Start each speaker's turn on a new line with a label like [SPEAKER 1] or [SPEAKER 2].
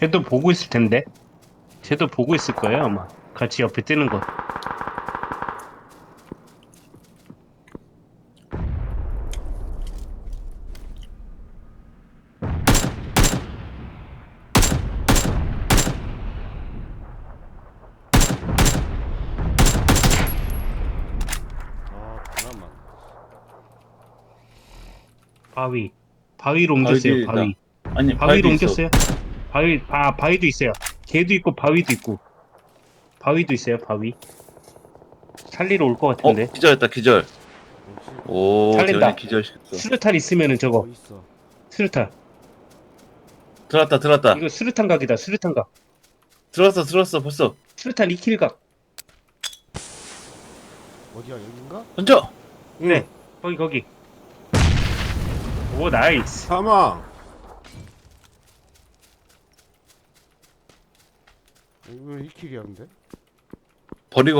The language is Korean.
[SPEAKER 1] 쟤도 보고 있을 텐데. 쟤도 보고 있을 거예요, 아마. 같이 옆에 뜨는 거.
[SPEAKER 2] 아, 잠깐만.
[SPEAKER 1] 바위. 바위로
[SPEAKER 3] 바위 뒤에
[SPEAKER 1] 옮겼어요,
[SPEAKER 3] 있다.
[SPEAKER 1] 바위.
[SPEAKER 3] 아니
[SPEAKER 1] 바위로
[SPEAKER 3] 바위도 있어.
[SPEAKER 1] 옮겼어요. 바위도 있어요. 걔도 있고, 바위도 있고. 바위도 있어요, 바위. 살리러 올 것 같은데.
[SPEAKER 3] 기절했다 기절.
[SPEAKER 2] 역시
[SPEAKER 3] 오
[SPEAKER 1] 살린다.
[SPEAKER 3] 대현이 기절시켰어.
[SPEAKER 1] 수류탄 있으면은 저거.
[SPEAKER 2] 있어.
[SPEAKER 1] 수류탄.
[SPEAKER 3] 들어왔다.
[SPEAKER 1] 이거 수류탄 각이다, 수류탄 각.
[SPEAKER 3] 들어왔어 벌써.
[SPEAKER 1] 수류탄 2킬 각.
[SPEAKER 2] 어디야, 여긴가?
[SPEAKER 3] 던져.
[SPEAKER 1] 네. 거기. 오, 나이스.
[SPEAKER 2] 사망. 이거 1킬이었는데?
[SPEAKER 3] 버리고